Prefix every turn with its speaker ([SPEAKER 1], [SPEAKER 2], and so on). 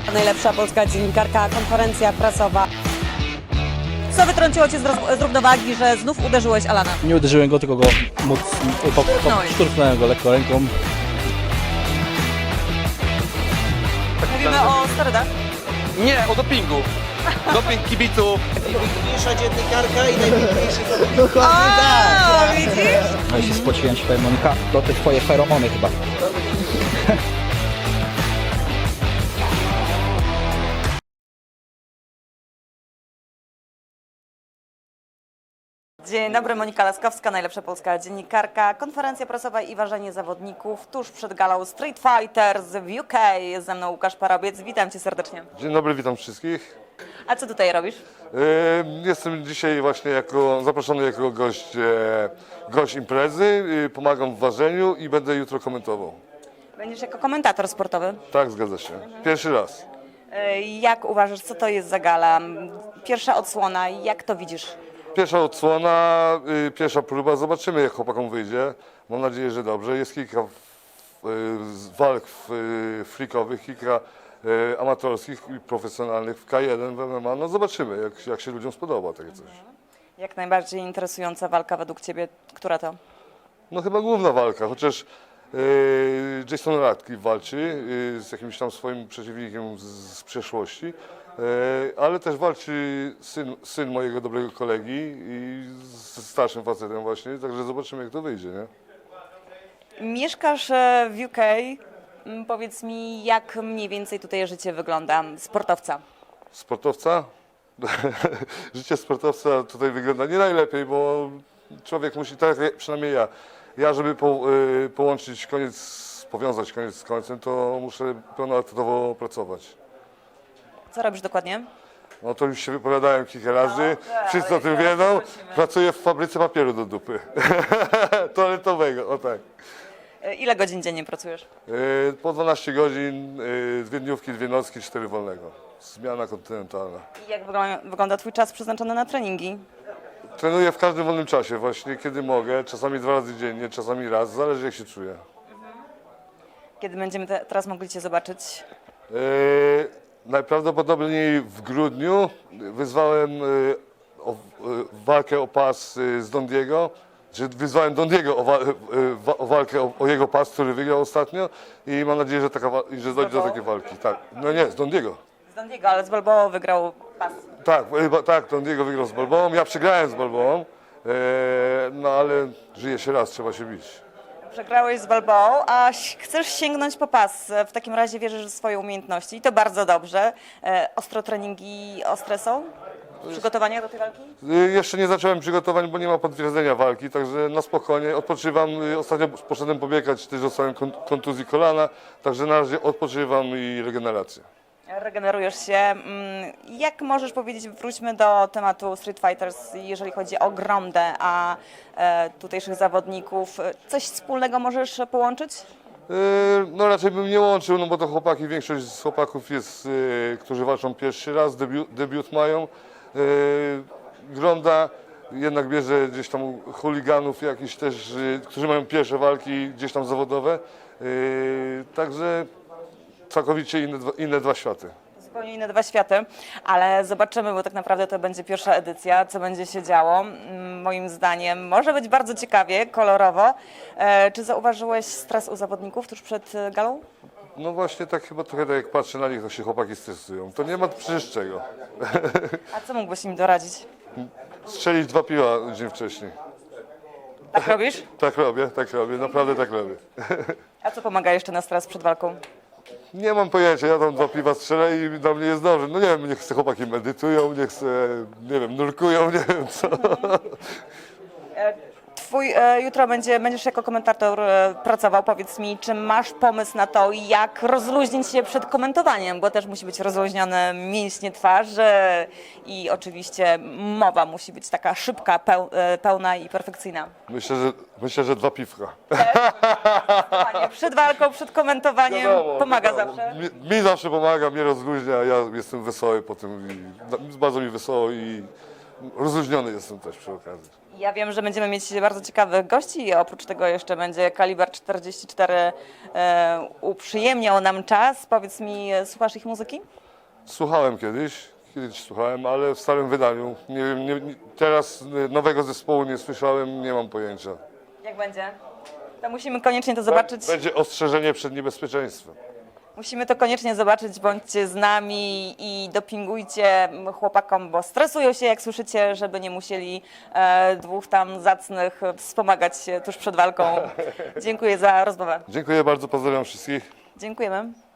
[SPEAKER 1] Najlepsza polska dziennikarka, konferencja prasowa. Co wytrąciło cię z równowagi, że znów uderzyłeś Alana?
[SPEAKER 2] Nie uderzyłem go, tylko go szturchnąłem go lekko ręką.
[SPEAKER 1] Mówimy o sterydach.
[SPEAKER 3] Nie, o dopingu. Doping kibiców.
[SPEAKER 4] Najpiękniejsza dziennikarka i najpiękniejszy
[SPEAKER 1] O, widzisz?
[SPEAKER 5] No i się spociłem się, powiem, Monika, to te twoje feromony chyba.
[SPEAKER 1] Dzień dobry, Monika Laskowska, najlepsza polska dziennikarka, konferencja prasowa i ważenie zawodników tuż przed galą Street Fighters w UK. Jest ze mną Łukasz Parobiec, witam cię serdecznie.
[SPEAKER 6] Dzień dobry, witam wszystkich.
[SPEAKER 1] A co tutaj robisz?
[SPEAKER 6] Jestem dzisiaj właśnie zaproszony jako gość imprezy, pomagam w ważeniu i będę jutro komentował.
[SPEAKER 1] Będziesz jako komentator sportowy.
[SPEAKER 6] Tak, zgadza się. Pierwszy raz.
[SPEAKER 1] Jak uważasz, co to jest za gala? Pierwsza odsłona, jak to widzisz?
[SPEAKER 6] Pierwsza odsłona, pierwsza próba, zobaczymy jak chłopakom wyjdzie. Mam nadzieję, że dobrze. Jest kilka walk freakowych, kilka amatorskich i profesjonalnych w K1, w MMA. No zobaczymy, jak się ludziom spodoba takie coś.
[SPEAKER 1] Jak najbardziej interesująca walka według ciebie, która to?
[SPEAKER 6] No chyba główna walka, chociaż Jason Radcliffe walczy z jakimś tam swoim przeciwnikiem z przeszłości, ale też walczy syn mojego dobrego kolegi i z starszym facetem właśnie, także zobaczymy jak to wyjdzie, nie?
[SPEAKER 1] Mieszkasz w UK. Powiedz mi, jak mniej więcej tutaj życie wygląda sportowca?
[SPEAKER 6] Sportowca? Życie sportowca tutaj wygląda nie najlepiej, bo człowiek musi, tak jak przynajmniej ja żeby powiązać koniec z końcem, to muszę pełnoetatowo pracować.
[SPEAKER 1] Co robisz dokładnie?
[SPEAKER 6] No to już się wypowiadałem kilka razy, wszyscy o tym wiedzą. Pracuję w fabryce papieru do dupy, toaletowego, o tak.
[SPEAKER 1] Ile godzin dziennie pracujesz?
[SPEAKER 6] Po 12 godzin, 2 dniówki, 2 nocki, 4 wolnego. Zmiana kontynentalna.
[SPEAKER 1] I jak wygląda twój czas przeznaczony na treningi?
[SPEAKER 6] Trenuję w każdym wolnym czasie właśnie, kiedy mogę, czasami 2 razy dziennie, czasami raz, zależy jak się czuję.
[SPEAKER 1] Kiedy będziemy teraz mogli cię zobaczyć?
[SPEAKER 6] Najprawdopodobniej w grudniu wyzwałem walkę o pas z Dondiego. Wyzwałem Dondiego o walkę o jego pas, który wygrał ostatnio i mam nadzieję, że dojdzie do takiej walki. Tak, no nie, z Dondiego.
[SPEAKER 1] Z Dondiego, ale z Balboa wygrał pas.
[SPEAKER 6] Tak, Dondiego wygrał z Balboą, ja przegrałem z Balboą, no ale żyje się raz, trzeba się bić.
[SPEAKER 1] Przegrałeś z Balboą, a chcesz sięgnąć po pas. W takim razie wierzysz w swoje umiejętności i to bardzo dobrze. Ostro treningi ostre są? Przygotowania do tej walki?
[SPEAKER 6] Jeszcze nie zacząłem przygotowań, bo nie ma potwierdzenia walki, także na spokojnie odpoczywam. Ostatnio poszedłem pobiegać, też dostałem kontuzji kolana, także na razie odpoczywam i regenerację.
[SPEAKER 1] Regenerujesz się. Jak możesz powiedzieć, wróćmy do tematu Street Fighters, jeżeli chodzi o Grondę, a tutejszych zawodników. Coś wspólnego możesz połączyć?
[SPEAKER 6] No raczej bym nie łączył, no bo to chłopaki, większość z chłopaków jest, którzy walczą pierwszy raz, debiut mają. Gronda jednak bierze gdzieś tam chuliganów jakichś też, którzy mają pierwsze walki gdzieś tam zawodowe. Także całkowicie inne dwa światy.
[SPEAKER 1] Zupełnie inne dwa światy, ale zobaczymy, bo tak naprawdę to będzie pierwsza edycja, co będzie się działo. Moim zdaniem może być bardzo ciekawie, kolorowo. Czy zauważyłeś stres u zawodników tuż przed galą?
[SPEAKER 6] No właśnie tak chyba trochę tak jak patrzę na nich, to się chłopaki stresują. To nie ma przecież czego.
[SPEAKER 1] A co mógłbyś im doradzić?
[SPEAKER 6] Strzelić 2 piwa dzień wcześniej.
[SPEAKER 1] Tak robisz?
[SPEAKER 6] Tak robię, naprawdę tak robię.
[SPEAKER 1] A co pomaga jeszcze na stres przed walką?
[SPEAKER 6] Nie mam pojęcia, ja tam 2 piwa strzelę i dla mnie jest dobrze. No nie wiem, niech se chłopaki medytują, niech se, nie wiem, nurkują, nie wiem co.
[SPEAKER 1] Jutro będziesz jako komentator pracował. Powiedz mi, czy masz pomysł na to, jak rozluźnić się przed komentowaniem, bo też musi być rozluźnione mięśnie twarzy i oczywiście mowa musi być taka szybka, pełna i perfekcyjna.
[SPEAKER 6] Myślę, że 2 piwka.
[SPEAKER 1] Przed walką, przed komentowaniem pomaga zawsze.
[SPEAKER 6] Mi zawsze pomaga, mnie rozluźnia, ja jestem wesoły po tym i bardzo mi wesoło i rozluźniony jestem też przy okazji.
[SPEAKER 1] Ja wiem, że będziemy mieć bardzo ciekawych gości. Oprócz tego jeszcze będzie Kaliber 44 uprzyjemniał nam czas. Powiedz mi, słuchasz ich muzyki?
[SPEAKER 6] Słuchałem kiedyś słuchałem, ale w starym wydaniu. Nie wiem, teraz nowego zespołu nie słyszałem, nie mam pojęcia.
[SPEAKER 1] Jak będzie? To musimy koniecznie to zobaczyć.
[SPEAKER 6] Będzie ostrzeżenie przed niebezpieczeństwem.
[SPEAKER 1] Musimy to koniecznie zobaczyć, bądźcie z nami i dopingujcie chłopakom, bo stresują się, jak słyszycie, żeby nie musieli dwóch tam zacnych wspomagać się tuż przed walką. Dziękuję za rozmowę.
[SPEAKER 6] Dziękuję bardzo, pozdrawiam wszystkich.
[SPEAKER 1] Dziękujemy.